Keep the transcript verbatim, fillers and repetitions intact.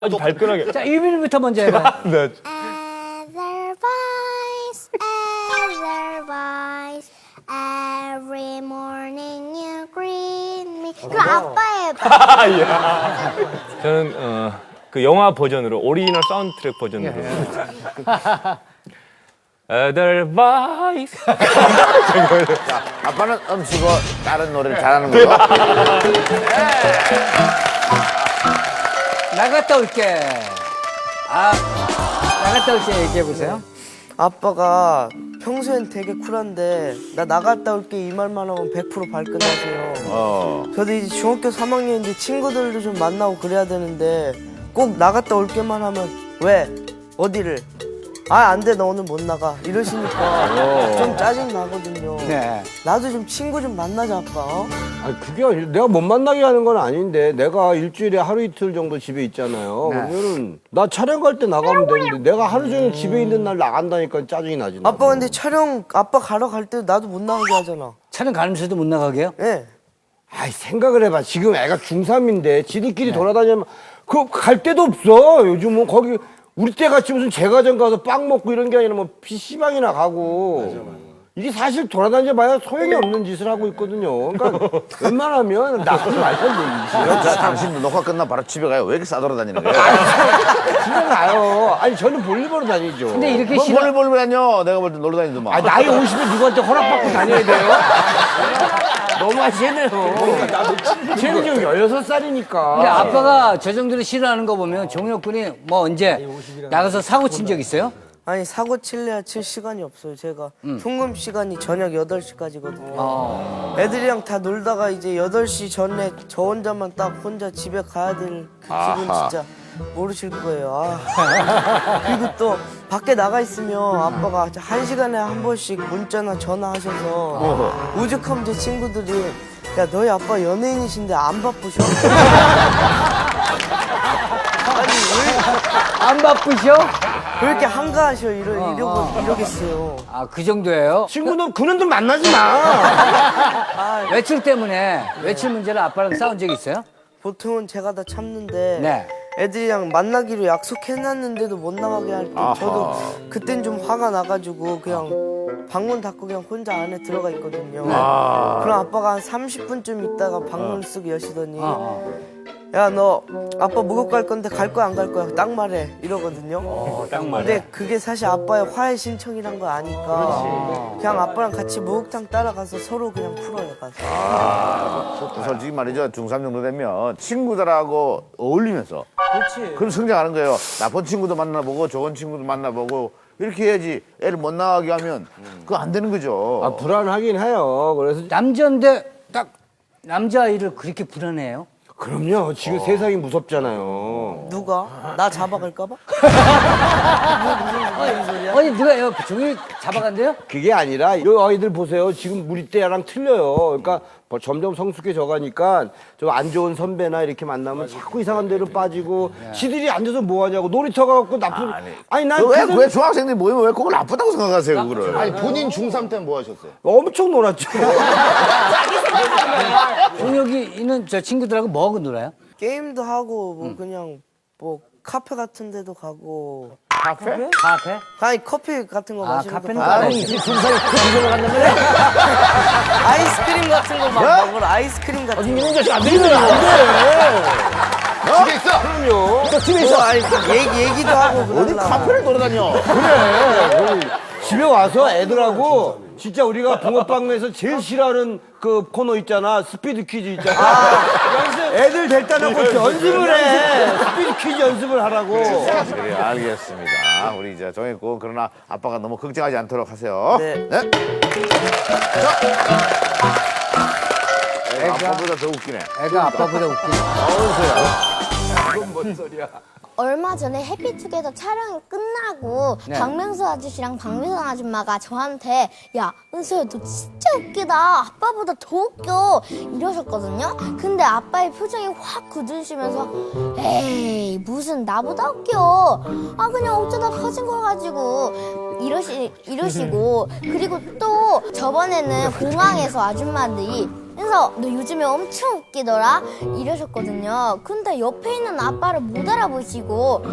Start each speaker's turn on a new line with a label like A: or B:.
A: 아주 발끈하게.
B: 자, 유빈이부터 먼저 해봐.
A: 네.
C: Otherwise, otherwise, every morning you greet me. 그 아빠의
A: 저는 어, 그 영화 버전으로 오리지널 사운드트랙 버전으로. Otherwise.
D: 자, 아빠는 음치고 다른 노래를 잘하는 걸로.
B: 나갔다 올게. 아, 나갔다 올게 얘기해 보세요.
E: 아빠가 평소엔 되게 쿨한데 나 나갔다 올게 이 말만 하면 백 퍼센트 발끈하세요.
D: 어.
E: 저도 이제 중학교 삼 학년인데 친구들도 좀 만나고 그래야 되는데 꼭 나갔다 올게만 하면 왜? 어디를? 아, 안 돼, 너 오늘 못 나가. 이러시니까 좀 짜증 나거든요.
B: 네.
E: 나도 좀 친구 좀 만나자, 아빠. 어?
F: 아니 그게 아니 내가 못 만나게 하는 건 아닌데 내가 일주일에 하루 이틀 정도 집에 있잖아요.
B: 네.
F: 그러면은 나 촬영 갈 때 나가면 되는데 내가 하루 종일 집에 있는 날 나간다니까 짜증이 나지. 나도.
E: 아빠 근데 촬영 아빠 가러 갈 때 나도 못 나가게 하잖아.
B: 차는 가면서도 못 나가게요?
E: 예.
F: 아이 생각을 해봐. 지금 애가 중삼인데 지들끼리 돌아다니면 그 갈 데도 없어. 요즘은 거기 우리 때 같이 무슨 제과점 가서 빵 먹고 이런 게 아니라 뭐 피시방이나 가고. 이게 사실 돌아다녀 봐야 소용이 없는 짓을 하고 있거든요. 그러니까 웬만하면 나가지 말던 얘기지.
D: 자, 당신도 녹화 끝나 바로 집에 가요. 왜 이렇게 싸돌아다니는 거야?
F: 집에 가요. 아니 저는 볼일 보러 다니죠.
B: 근데 이렇게
D: 뭐
B: 싫어.
D: 볼을 볼을 다녀. 내가 볼 때 놀러 다니더만.
F: 아 나이 오십에 누구한테 허락받고 다녀야 돼요? 너무 하시네요. 쟤는 지금 열여섯 살이니까.
B: 근데 아빠가 저 정도로 싫어하는 거 보면 종혁 군이 뭐 언제 나가서 사고 친 적 있어요?
E: 아니 사고 칠래야 칠 시간이 없어요. 제가 통금 시간이 저녁 여덟 시까지거든요.
B: 어.
E: 애들이랑 다 놀다가 이제 여덟 시 전에 저 혼자만 딱 혼자 집에 가야 될 그 기분
D: 아하.
E: 진짜 모르실 거예요. 아. 그리고 또 밖에 나가 있으면 아빠가 한 시간에 한 번씩 문자나 전화하셔서 오죽하면 제 친구들이 야 너희 아빠 연예인이신데 안 바쁘셔? 아니 왜,
B: 안 바쁘셔?
E: 왜 이렇게 한가하셔 이러,
B: 어,
E: 이러고
B: 어.
E: 이러겠어요.
B: 아, 그 정도예요?
F: 친구는 그놈들 만나지 마.
E: 아,
B: 외출 때문에 외출 문제로 아빠랑 싸운 적 있어요?
E: 보통은 제가 다 참는데
B: 네.
E: 애들이랑 만나기로 약속해놨는데도 못 나가게 할 때 저도 그땐 좀 화가 나가지고 그냥 방문 닫고 그냥 혼자 안에 들어가 있거든요. 그럼 아빠가 한 삼십 분쯤 있다가 방문 쓱 여시더니
B: 어,
E: 야 너 아빠 목욕 갈 건데 갈 거야 안 갈 거야 딱 말해 이러거든요.
B: 어,
A: 딱 말해.
E: 근데 그게 사실 아빠의 화해 신청이란 걸 아니까 그냥 아빠랑 같이 목욕탕 따라가서 서로 그냥 풀어요 가서.
D: 솔직히 말이죠. 중삼 정도 되면 친구들하고 어울리면서.
E: 그렇지.
D: 그럼 성장하는 거예요. 나쁜 친구도 만나보고 좋은 친구도 만나보고 이렇게 해야지 애를 못 나가게 하면 그거 안 되는 거죠.
F: 아 불안하긴 해요. 그래서
B: 남자인데 딱 남자아이를 그렇게 불안해해요?
F: 그럼요. 지금 세상이 무섭잖아요.
E: 누가? 나 잡아갈까봐?
B: 아니 누가 요 종이 잡아간대요?
F: 그게 아니라 이 아이들 보세요. 지금 우리 때랑 틀려요. 그러니까 뭐 점점 성숙해져 가니까 좀 안 좋은 선배나 이렇게 만나면 자꾸 이상한 데로 빠지고 지들이 앉아서 뭐 하냐고 놀이터 가고 나쁜
D: 아니,
F: 아니 난
D: 왜,
F: 그래서
D: 왜 중학생들이 모이면 왜 그걸 나쁘다고 생각하세요, 그거를? 아니, 본인 중삼 때는 뭐 하셨어요?
F: 엄청 놀았죠.
B: 종혁이 있는 저 친구들하고 뭐 하고 놀아요?
E: 게임도 하고 뭐 그냥 뭐 카페 같은 데도 가고
D: 카페?
B: 카페?
E: 아니 커피 같은 거
B: 아,
E: 마시는
B: 카페는
E: 거
B: 또
E: 가고
B: 알아요.
D: 중삼이 그 간다는 거야?
E: 아이스크림 같은 거 막 먹으러 아이스크림 같은 거
D: 이런 자식 안 되는 안 돼! 집에 있어!
F: 그럼요.
D: 너 집에
E: 뭐
D: 있어!
E: 아니 그 얘기, 얘기도 하고
D: 어디
E: 그러려고.
D: 카페를 돌아다녀?
F: 그래. 집에 와서 애들하고 진짜 우리가 붕어빵에서 제일 싫어하는 그 코너 있잖아. 스피드 퀴즈 있잖아. 연습. 애들 데리다 놓고 연습을 해. 스피드 퀴즈 연습을 하라고.
D: 그래, 알겠습니다. 우리 이제 정했고, 그러나 아빠가 너무 걱정하지 않도록 하세요.
E: 네.
D: 자! 애가 아빠보다 더 웃기네.
B: 애가 아빠보다 웃기네.
C: 얼마 전에 해피투게더 촬영이 끝나고
B: 네.
C: 박명수 아저씨랑 박미선 아줌마가 저한테 야 은서야 너 진짜 웃기다 아빠보다 더 웃겨 이러셨거든요. 근데 아빠의 표정이 확 굳으시면서 에이 무슨 나보다 웃겨 아 그냥 어쩌다 커진 거 가지고 이러시, 이러시고 그리고 또 저번에는 공항에서 아줌마들이 그래서 너 요즘에 엄청 웃기더라 이러셨거든요. 근데 옆에 있는 아빠를 못 알아보시고